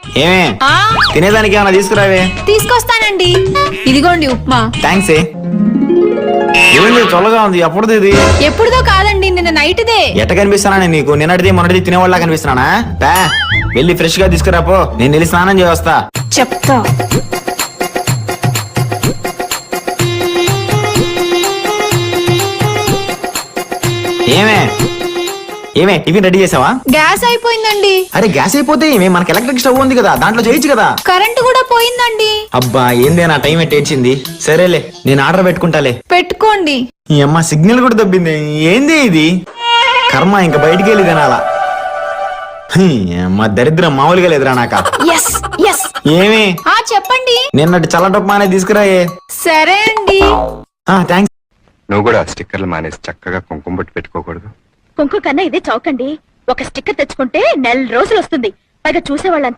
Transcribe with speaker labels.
Speaker 1: ఏమే తినేదానికి ఏమైనా తీసుకురావే?
Speaker 2: తీసుకొస్తానండి. ఇదిగోండి ఉప్మా.
Speaker 1: థ్యాంక్స్. ఏమైంది చల్లగా ఉంది? ఎప్పుడుది ఇది?
Speaker 2: ఎప్పుడుదో కాదండి, నిన్న నైట్దే.
Speaker 1: ఎట్ట కనిపిస్తానా నీకు? నిన్నటిది మొన్నటిది తినేవాళ్ళ కనిపిస్తున్నానా? బా వెళ్ళి ఫ్రెష్ గా తీసుకురాపో, నేను వెళ్ళి స్నానం చేయొస్తా.
Speaker 2: చెప్తా.
Speaker 1: ఏమే ఏమే టిఫిన్ రెడీ చేసావా?
Speaker 2: గ్యాస్ అయిపోయిందండి.
Speaker 1: అరే గ్యాస్ అయిపోతే ఏమే, మనకి ఎలక్ట్రిక్ స్టవ్ ఉంది కదా, దాంట్లో చేయొచ్చు కదా.
Speaker 2: కరెంటు కూడా పోయిందండి.
Speaker 1: అబ్బా ఏందే నా టైం ఎట్టేచింది. సరేలే నేను ఆర్డర్ పెట్టుకుంటాలే.
Speaker 2: పెట్టుకోండి.
Speaker 1: ఈ అమ్మ సిగ్నల్ కూడా దబ్బింది. ఏంది ఇది కర్మ, ఇంకా బయటికి వెళ్ళి తినాలా? మా దరిద్రం మామూలుగా లేదురా నాక.
Speaker 2: Yes yes.
Speaker 1: ఏమి
Speaker 2: చెప్పండి.
Speaker 1: నిన్నటి చల్లటప్పు మానే తీసుకురాయే.
Speaker 2: సరే అండి.
Speaker 1: థ్యాంక్స్.
Speaker 3: నువ్వు కూడా స్టిక్కర్లు మానేసి చక్కగా కుంకుమ బొట్టు పెట్టుకోకూడదు?
Speaker 4: కుంకుమ కన్నా ఇదే చౌకండి. ఒక స్టిక్కర్ తెచ్చుకుంటే 4 రోజులు వస్తుంది. పైగా చూసేవాళ్ళంతా